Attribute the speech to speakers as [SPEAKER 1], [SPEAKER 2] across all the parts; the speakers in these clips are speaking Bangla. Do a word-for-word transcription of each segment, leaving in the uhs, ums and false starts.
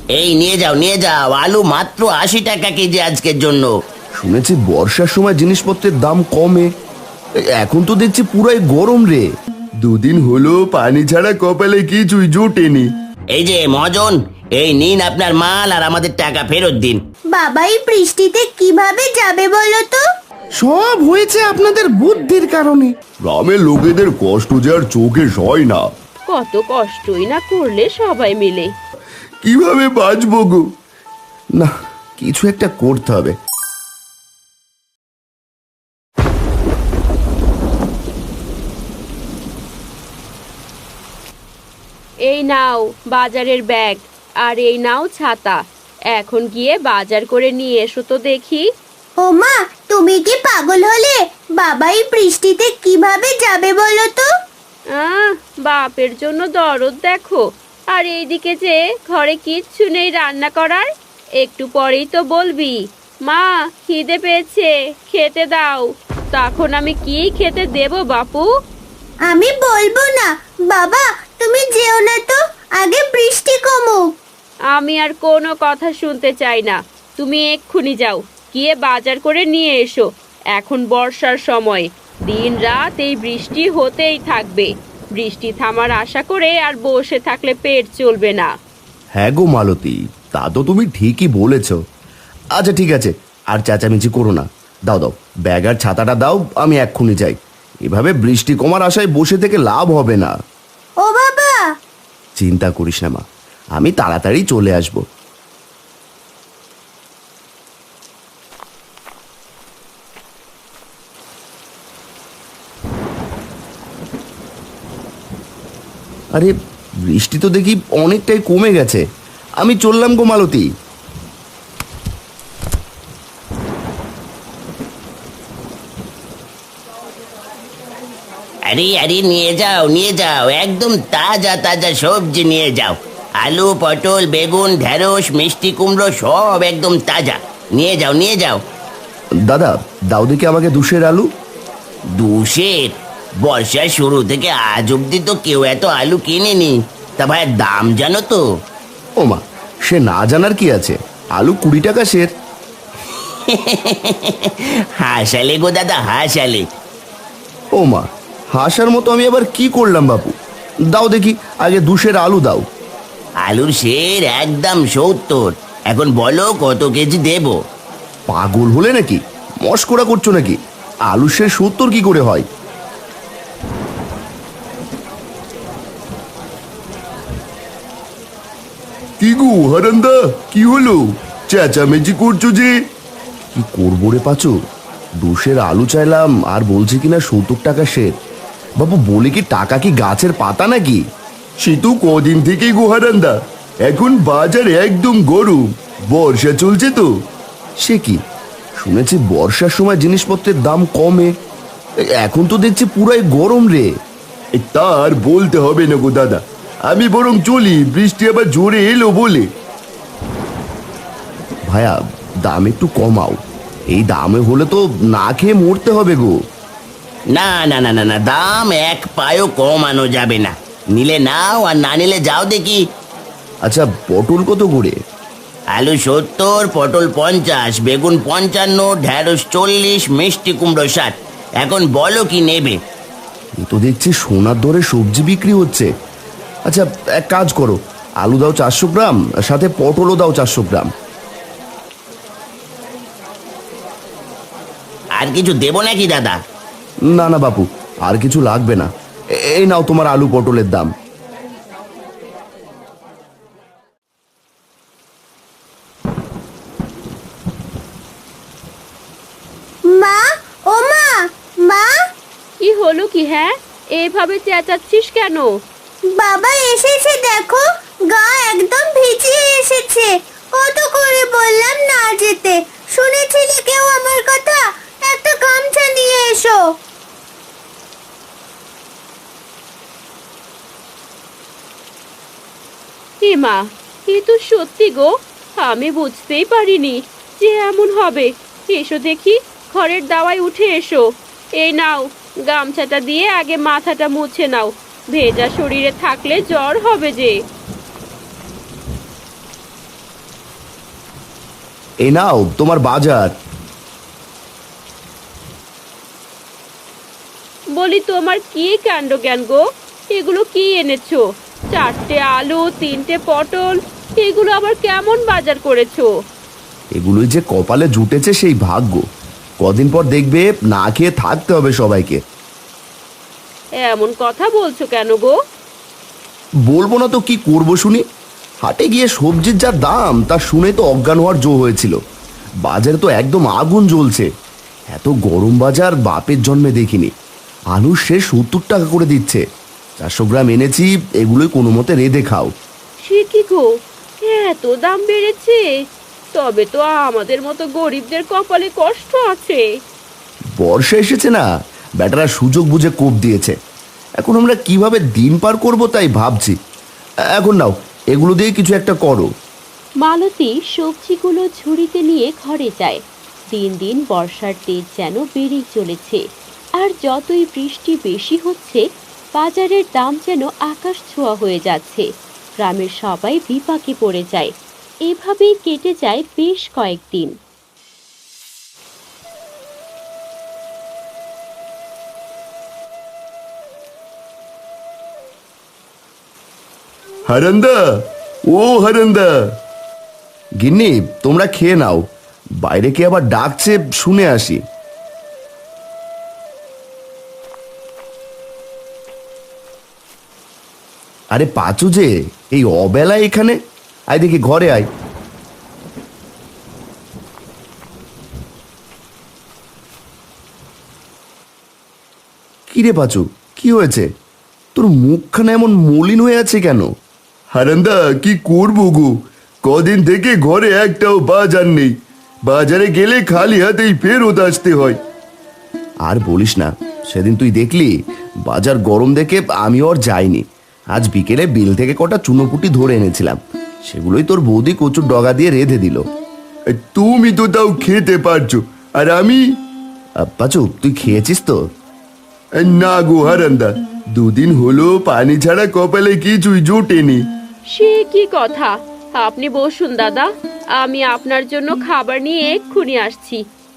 [SPEAKER 1] এই নিয়ে যাও নিয়ে যাও, আলু মাত্র আশি টাকা কেজি আজকের জন্য।
[SPEAKER 2] শুনেছি বর্ষার সময় জিনিসপত্রের দাম কমে, এখন তো দেখছি পুরাই গরম রে। দুদিন হলো পানি ছাড়া কপালে কিছুই জোটেনি।
[SPEAKER 1] এই যে মহাজন, এই নিন আপনার মাল আর আমাদের টাকা ফেরত দিন।
[SPEAKER 3] বাবা এই বৃষ্টিতে কিভাবে যাবে বলো তো?
[SPEAKER 4] সব হয়েছে আপনাদের বুদ্ধির কারণে।
[SPEAKER 2] গ্রামের লোকেদের কষ্ট যে আর চোখে সয় না।
[SPEAKER 5] কত কষ্টই না করলে সবাই মিলে।
[SPEAKER 2] কিভাবে বাঁচবো গো? না, কিছু একটা করতে হবে।
[SPEAKER 5] এই নাও বাজারের ব্যাগ, আর এই নাও ছাতা। এখন গিয়ে বাজার করে নিয়ে এসো তো দেখি।
[SPEAKER 3] ও মা, তুমি কি পাগল হলে? বাবা এই বৃষ্টিতে কিভাবে যাবে বলো তো?
[SPEAKER 5] আহ বাপের জন্য দরদ দেখো, আর এইদিকে যে ঘরে কিচ্ছু নেই রান্না করার। একটু পরেই তো বলবি মা খিদে পেয়েছে খেতে দাও, তখন আমি কি খেতে দেব বাপু?
[SPEAKER 3] আমি বলবো না। বাবা তুমি যেও না তো, আগে বৃষ্টি কমুক।
[SPEAKER 5] আমি আর কোনো কথা শুনতে চাই না, তুমি এক্ষুনি যাও, গিয়ে বাজার করে নিয়ে এসো। এখন বর্ষার সময়, দিন রাত এই বৃষ্টি হতেই থাকবে। বৃষ্টি থামার আশা করে আর বসে থাকলে পেট চলবে না।
[SPEAKER 2] হ্যাঁ গো মালতী, তা তো তুমি ঠিকই বলেছ। আচ্ছা ঠিক আছে, আর চেঁচামেচি করো না। দাও দাও ব্যাগ আর ছাতাটা দাও, আমি এক্ষুনি যাই। এভাবে বৃষ্টি কমার আশায় বসে থেকে লাভ হবে না।
[SPEAKER 3] ও বাবা!
[SPEAKER 2] চিন্তা করিস না মা, আমি তাড়াতাড়ি চলে আসব। আরে বৃষ্টি তো দেখি অনেকটাই কমে গেছে, আমি চললাম গো মালতী।
[SPEAKER 1] আরে আরে নিয়ে যাও নিয়ে যাও, একদম তাজা তাজা সবজি নিয়ে যাও। আলু, পটল, বেগুন, ঢেঁড়স, মিষ্টি কুমড়ো সব একদম তাজা। নিয়ে যাও নিয়ে যাও।
[SPEAKER 2] দাদা দাও দেখি আমাকে দুশের আলু।
[SPEAKER 1] দুশের? বর্ষার শুরু থেকে আজ অব্দি তো কেউ এত আলু কিনেনি। তা ভাই দাম জানো তো?
[SPEAKER 2] ও মা, সে না জানার কি আছে, আলু কুড়ি টাকা সের।
[SPEAKER 1] হাসালে গো দাদা হাসালে।
[SPEAKER 2] ও মা, হাসার মতো আমি আবার কি করলাম বাপু? দাও দেখি আগে দুশের আলু দাও।
[SPEAKER 1] আলুর সের একদম সত্তর। এখন বলো কত কেজি দেব?
[SPEAKER 2] পাগল হলে নাকি? মস্করা করছো নাকি? আলু সে সত্তর কি করে হয়? কি গো হারান্দা, কি হলো? চেঁচামেচি করছো যে? কি করবো রে পাচু, দুশের আলু চাইলাম আর বলছে কিনা সত্তর টাকা সের। বাবু বলে কি টাকা কি গাছের পাতা নাকি? সে তো কদিন থেকেই গো হারান্দা, এখন বাজার একদম গরম, বর্ষা চলছে তো। সে কি, শুনেছি বর্ষার সময় জিনিসপত্রের দাম কমে, এখন তো দেখছি পুরাই গরম রে। তার বলতে হবে না গো দাদা, আমি বরং চলি, বৃষ্টি আবার জোরে এলো বলে। ভাইয়া দাম একটু কমাও, এই দামে হলে তো না খেয়ে মরতে হবে গো।
[SPEAKER 1] না না না না না, দাম এক পায়ও কমানো যাবে না। নিলে নাও আর না নিলে যাও দেখি।
[SPEAKER 2] আচ্ছা পটল কত করে?
[SPEAKER 1] আলু সত্তর, পটল পঞ্চাশ, বেগুন পঞ্চান্ন, ঢেঁড়স চল্লিশ, মিষ্টি কুমড়ো ষাট। এখন বলো কি নেবে?
[SPEAKER 2] এ তো দেখছি সোনার দরে সবজি বিক্রি হচ্ছে। আচ্ছা এক কাজ করো, আলু দাও চারশো গ্রাম, সাথে পটলও দাও চারশো গ্রাম।
[SPEAKER 1] আর কিছু দেবো নাকি দাদা?
[SPEAKER 2] না না বাপু, আর কিছু লাগবে না, এই নাও তোমার আলু পটলের দাম।
[SPEAKER 3] মা, ও মা, মা!
[SPEAKER 5] কি হলো কি? হ্যাঁ এভাবে চেঁচাচ্ছিস কেন?
[SPEAKER 3] বাবা এসেছে দেখো, গা একদম ভিজিয়ে এসেছে। কত করে বললাম না যেতে, শুনেছিলে কেউ আমার কথা? একটা গামছা নিয়ে এসো।
[SPEAKER 5] এ মা, এ তো সত্যি গো, আমি বুঝতেই পারিনি যে এমন হবে। এসো দেখি, ঘরের দাওয়ায় উঠে এসো। এই নাও গামছাটা দিয়ে আগে মাথাটা মুছে নাও, ভেজা শরীরে থাকলে জ্বর হবে যে।
[SPEAKER 2] এ নাও তোমার বাজার।
[SPEAKER 5] বলি তোমার কি কাণ্ড জ্ঞান গো, এগুলো কি এনেছো? চারটে আলু, তিনটে পটল, এগুলো আবার কেমন বাজার করেছো?
[SPEAKER 2] এগুলোই যে কপালে জুটেছে সেই ভাগ্য। কদিন পর দেখবে না খেয়ে থাকতে হবে সবাইকে।
[SPEAKER 5] এমন কথা বলছো কেন গো?
[SPEAKER 2] বলবো না তো কি করবো শুনি। হাটে গিয়ে সবজির যা দাম তা শুনে তো অজ্ঞান হওয়ার জো হয়েছিল। বাজারে তো একদম আগুন জ্বলছে। এত গরম বাজার বাপের জন্মে দেখিনি। আলু সে সত্তর টাকা করে দিচ্ছে। চারশো গ্রাম এনেছি, এগুলোই কোনো মতে রেঁধে খাও।
[SPEAKER 5] সে কি গো, এত দাম বেড়েছে? তবে তো আমাদের মতো গরিবদের কপালে কষ্ট আছে।
[SPEAKER 2] বর্ষা এসেছে না, ব্যাটারা সুযোগ বুঝে কোপ দিয়েছে। এখন আমরা কিভাবে দিন পার করব তাই ভাবছি। এখন নাও, এগুলো দিয়ে কিছু একটা করো।
[SPEAKER 5] মালতী সবজিগুলো ঝুড়িতে নিয়ে ঘরে যায়। দিন দিন বর্ষার তেজ যেন বেড়েই চলেছে, আর যতই বৃষ্টি বেশি হচ্ছে বাজারের দাম যেন আকাশ ছোঁয়া হয়ে যাচ্ছে। গ্রামের সবাই বিপাকে পড়ে যায়। এভাবেই কেটে যায় বেশ কয়েকদিন।
[SPEAKER 2] হারান্দা, ও হারান্দা। গিন্নি, তোমরা খেয়ে নাও। বাইরে কে আবার ডাকছে শুনে আসি। আরে পাচু যে, এই অবেলায় এখানে? আয় দেখি ঘরে আয়। কিরে পাচু, কি হয়েছে? তোর মুখখানা এমন মলিন হয়ে আছে কেন? হারান্দা, কি করবো গো, কদিন থেকে ঘরে একটাও বাজার নেই। বাজারে গেলে খালি হাতেই ফেরত আসতে হয়। আর বলিস না, সেদিন তুই দেখলি বাজার গরম দেখে আমিও আর যাইনি। আজ বিকেলে বিল থেকে কটা চুনোপুটি ধরে এনেছিলাম, সেগুলোই তোর বৌদি কচুর ডগা দিয়ে রেঁধে দিল। তুমি তো তাও খেতে পারছো, আর আমি? পাচু, তুই খেয়েছিস তো? না গো হারান্দা, দুদিন হলো পানি ছাড়া কপালে কিছুই জোটেনি।
[SPEAKER 5] সে কি কথা? আপনি বসুন দাদা, আমি আপনার জন্য খাবার নিয়ে এক্ষুনি আসছি।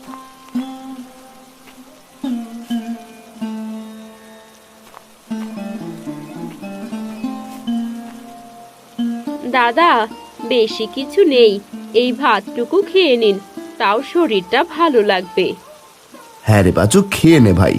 [SPEAKER 5] দাদা, বেশি কিছু নেই, এই ভাতটুকু খেয়ে নিন, তাও শরীরটা ভালো লাগবে।
[SPEAKER 2] হ্যাঁ রে বাচু, খেয়ে নে ভাই।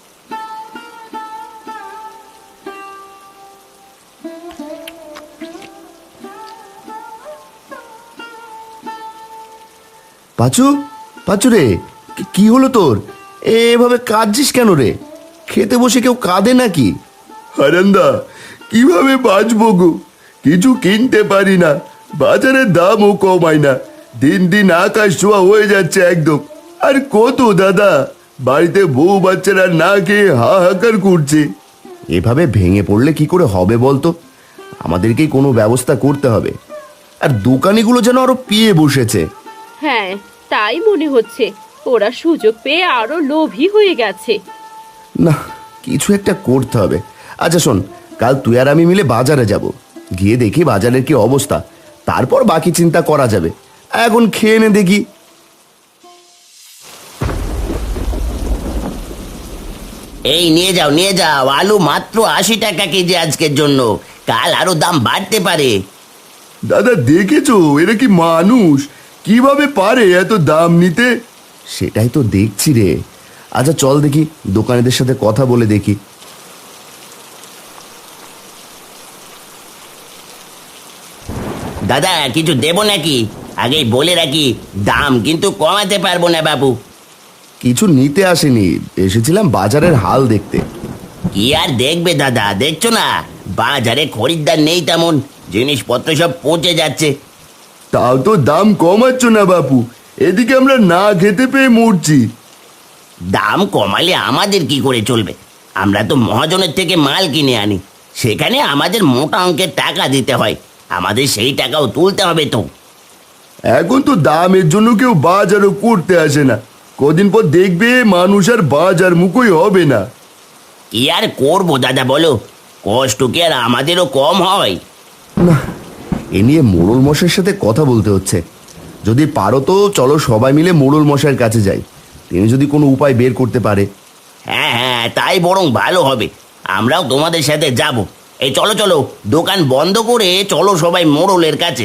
[SPEAKER 2] পাচু, পাচু রে, কি- কি হলো তোর? এভাবে কাঁদছিস কেন রে? খেতে বসে কেউ কাঁদে নাকি? হারান্দা, কিভাবে বাঁচবো গো, কিছু কিনতে পারি না, বাজারের দামও কমায় না, দিন দিন আকাশ ছোঁয়া হয়ে যাচ্ছে একদম। আর কত দাদা, বাড়িতে বউ বাচ্চারা না খেয়ে হাহাকার করছে। এভাবে ভেঙে পড়লে কি করে হবে বলতো? আমাদেরকেই কোনো ব্যবস্থা করতে হবে। আর দোকানিগুলো যেন আরো পিয়ে বসেছে।
[SPEAKER 5] হ্যাঁ, তাই মনে হচ্ছে, ওরা সুযোগ পেয়ে আরো লোভী হয়ে গেছে।
[SPEAKER 2] না, কিছু একটা করতে হবে। আচ্ছা শোন, কাল তুই আর আমি মিলে বাজারে যাব, গিয়ে দেখি বাজারের কি অবস্থা, তারপর বাকি চিন্তা করা যাবে। এখন খেয়ে নে দেখি।
[SPEAKER 1] এই নিয়ে যাও নিয়ে যাও, আলু মাত্র আশি টাকা কেজি আজকের জন্য, কাল আরো দাম বাড়তে পারে।
[SPEAKER 2] দাদা দেখেছো, এরা কি মানুষ? কিভাবে পারে এত দাম নিতে? সেটাই তো দেখছি রে। আচ্ছা চল দেখি, দোকানিদের সাথে কথা বলে দেখি।
[SPEAKER 1] দাদা, কিছু দেবো নাকি? আগেই বলে রাখি, দাম কিন্তু কমাতে পারবো না বাবু।
[SPEAKER 2] কিছু নিতে আসেনি, এসেছিলাম বাজারের হাল দেখতে।
[SPEAKER 1] কি আর দেখবে দাদা, দেখছো না বাজারে খরিদ্দার নেই তেমন, জিনিসপত্র সব পচে যাচ্ছে।
[SPEAKER 2] তাও তো দাম কমাচ্ছ না বাপু, এদিকে আমরা না খেতে পেয়ে মরছি।
[SPEAKER 1] দাম কমালে আমাদের কি করে চলবে? আমরা তো মহাজনের থেকে মাল কিনে আনি, সেখানে আমাদের মোটা অঙ্কের টাকা দিতে হয়, আমাদের সেই টাকাও তুলতে হবে তো।
[SPEAKER 2] এখন তো দামের জন্য কেউ বাজারও করতে আসে না, কদিন পর দেখবে মানুষ আর বাজার মুখই হবে না।
[SPEAKER 1] কি আর করবো দাদা বলো, কষ্ট কি আর আমাদেরও কম হয়?
[SPEAKER 2] না, এ নিয়ে মোড়ল মশাইয়ের সাথে কথা বলতে হচ্ছে। যদি পারো তো চলো সবাই মিলে মোড়ল মশাইয়ের কাছে যাই, তিনি যদি কোনো উপায় বের করতে পারে।
[SPEAKER 1] হ্যাঁ হ্যাঁ, তাই বরং ভালো হবে। আমরাও তোমাদের সাথে যাব। এই চলো চলো, দোকান বন্ধ করে চলো সবাই মোড়লের কাছে।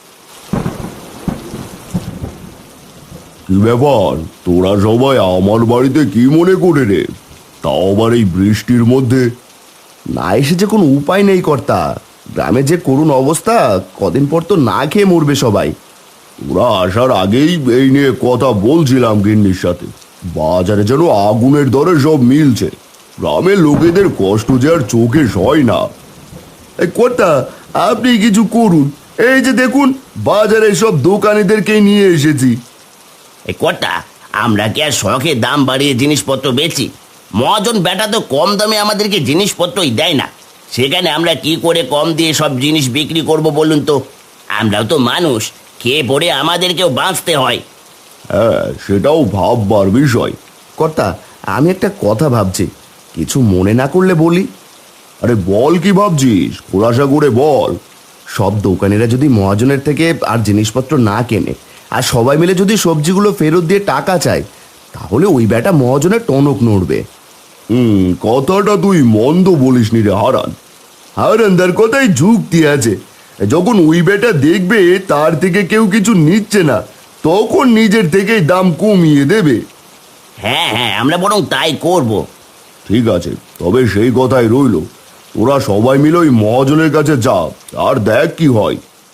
[SPEAKER 2] কি ব্যাপার, তোরা সবাই আমার বাড়িতে কি মনে করে রে? তাও আবার এই বৃষ্টির মধ্যে। না এসে যে কোনো উপায় নেই কর্তা, গ্রামে যে করুণ অবস্থা, কদিন পর তো না খেয়ে মরবে সবাই। ওরা আসার আগেই এই নিয়ে কথা বলছিলাম গিন্নির সাথে। বাজারে যেন আগুনের দরে সব মিলছে, গ্রামের লোকেদের কষ্ট যে আর চোখে সয় না। এই কর্তা, আপনি কিছু করুন, এই যে দেখুন বাজারে সব দোকানিদেরকেই নিয়ে এসেছি।
[SPEAKER 1] এই কর্তা, আমরা কি আর শখে দাম বাড়িয়ে জিনিসপত্র বেচি? মহাজন বেটা তো কম দামে আমাদেরকে জিনিসপত্রই দেয় না, সেখানে আমরা কি করে কম দিয়ে সব জিনিস বিক্রি করব বলুন তো? আমরাও তো মানুষ, খেয়ে পড়ে আমাদেরকেও বাঁচতে হয়।
[SPEAKER 2] হ্যাঁ, সেটাও ভাববার বিষয়। কর্তা, আমি একটা কথা ভাবছি, কিছু মনে না করলে বলি। আরে বল, কি ভাবছিস? খোলাসা করে বল। সব দোকানিরা যদি মহাজনের থেকে আর জিনিসপত্র না কেনে, আর সবাই মিলে যদি সবজিগুলো ফেরত দিয়ে টাকা চায়, তাহলে ওই বেটা মহাজনের টনক নড়বে। হুম, কথাটা তুই মন্দ বলিসনি রে হারান। হারানদার কথাই যুক্তি আছে। যখন ওই বেটা দেখবে তার থেকে কেউ কিছু নিচ্ছে না, তখন নিজের থেকেই দাম কমিয়ে দেবে।
[SPEAKER 1] হ্যাঁ হ্যাঁ, আমরা বরং তাই করব।
[SPEAKER 2] ঠিক আছে, তবে সেই কথাই রইল, তোরা সবাই মিলে ওই মহাজনের কাছে যা, আর দেখ কি হয়।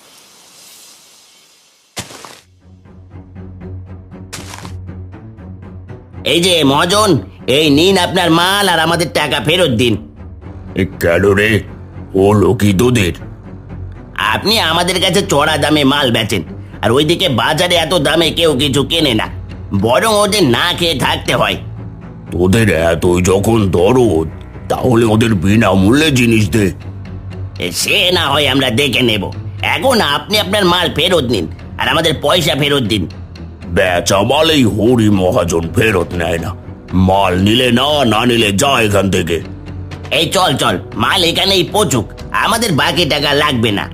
[SPEAKER 1] এই যে মহাজন, এই নিন আপনার মাল, আর আমাদের টাকা ফেরত দিন।
[SPEAKER 2] কেন রে, হলো কি তোদের?
[SPEAKER 1] আপনি আমাদের কাছে চড়া দামে মাল বেচেন, আর ওইদিকে বাজারে এত দামে কেউ কিছু কেনে না, বরং ওদের না খেয়ে থাকতে হয়।
[SPEAKER 2] তোদের এতই যখন দরদ, তাহলে ওদের বিনামূল্যে জিনিস দে।
[SPEAKER 1] এ, সে না হয় আমরা দেখে নেব। এখন আপনি আপনার মাল ফেরত নিন, আর আমাদের পয়সা ফেরত দিন।
[SPEAKER 2] বেচা মাল এই হরি মহাজন ফেরত নেয় না। মাল নিলে না, না নিলে যা এখান থেকে।
[SPEAKER 1] এই চল চল, মাল এখানেই পচুক, আমাদের বাকি টাকা লাগবে না।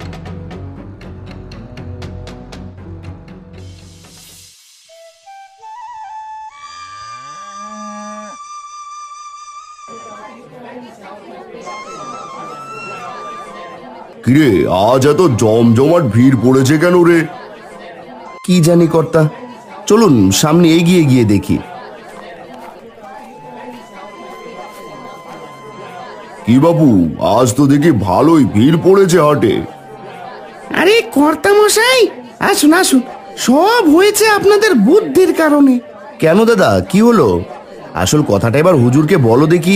[SPEAKER 2] কিরে, আজ এত জমজমাট ভিড় পড়েছে কেন রে? কি জানি কর্তা, চলুন সামনে এগিয়ে গিয়ে দেখি। কি বাবু, আজ তো দেখি ভালোই ভিড় পড়েছে হাটে।
[SPEAKER 4] আরে কর্তা মশাই, আসুন আসুন, সব হয়েছে আপনাদের বুদ্ধির কারণে।
[SPEAKER 2] কেন দাদা, কি হলো? আসল কথাটা এবার হুজুরকে বলো দেখি।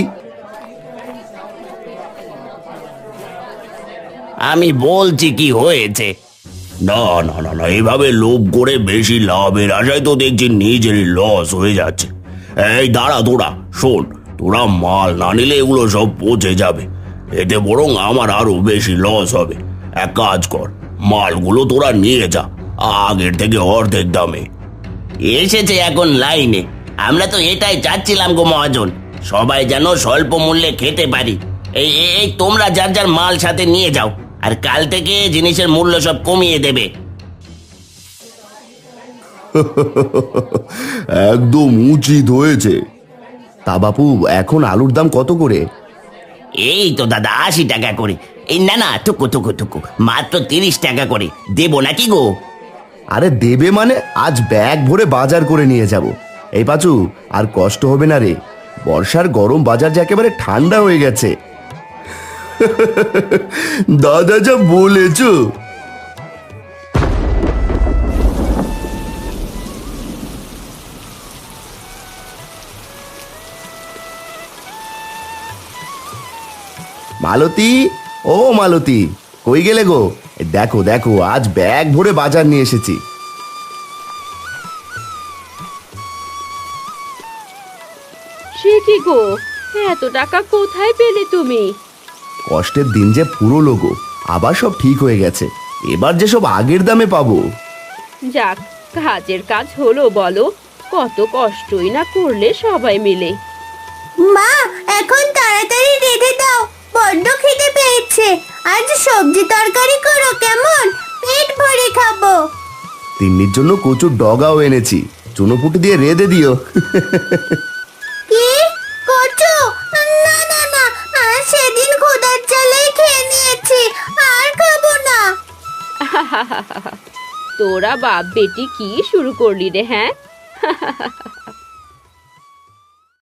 [SPEAKER 1] আমি বলছি কি হয়েছে।
[SPEAKER 2] না না না না, এভাবে লোভ করে বেশি লাভের আশায় তো দেখছি নিজেরই লস হয়ে যাচ্ছে। এই দাঁড়া, তোরা শোন, তোরা মাল না নিলে এগুলো সব পচে যাবে, এতে বরং আমার আরো বেশি লস হবে। এক কাজ কর, মালগুলো তোরা নিয়ে যা, আগের থেকে অর্ধেক দামে।
[SPEAKER 1] এসেছে এখন লাইনে, আমরা তো এটাই চাচ্ছিলাম গো মহাজন, সবাই যেন স্বল্প মূল্যে খেতে পারি। এই এই- এই তোমরা যার যার মাল সাথে নিয়ে যাও, আর কাল থেকে জিনিসের মূল্য সব কমিয়ে দেবে।
[SPEAKER 2] একদম উচিত হয়েছে। তা বাপু, এখন আলুর দাম কত করে?
[SPEAKER 1] এই তো দাদা আশি টাকা করে। এই না না, টুকু টুকু টুকু, মাত্র তিরিশ টাকা করে দেবো নাকি গো?
[SPEAKER 2] আরে দেবে মানে, আজ ব্যাগ ভরে বাজার করে নিয়ে যাব। এই পাচু, আর কষ্ট হবে না রে, বর্ষার গরম বাজার যে একেবারে ঠান্ডা হয়ে গেছে। দাদা যা বলেছ। মালতী, ও মালতী, কই গেলে গো? এই দেখো দেখো, আজ ব্যাগ ভরে বাজার নিয়ে এসেছি।
[SPEAKER 5] সে কি গো, এত টাকা কোথায় পেলে তুমি?
[SPEAKER 2] কষ্টের দিন যে পুরো গো, আবার সব ঠিক হয়ে গেছে, এবার যে সব আগের দামে পাবো।
[SPEAKER 5] যাক, কাজের কাজ হলো বলো, কত কষ্টই না করলে সবাই মিলে।
[SPEAKER 3] মা, এখন তাড়াতাড়ি রেঁধে দাও, বড্ড খিদে পেয়েছে। আজ সবজি তরকারি করো কেমন, পেট ভরে খাবো।
[SPEAKER 2] তিন্নির জন্য কচুর ডগাও এনেছি, চুনোপুটি দিয়ে রেঁধে দিও।
[SPEAKER 3] কি কচু? না না না, আর সেদিন খোদার চালেই খেয়ে নিয়েছি, আর খাবো না।
[SPEAKER 5] তোরা বাপ বেটি কি শুরু করলি রে, হ্যাঁ?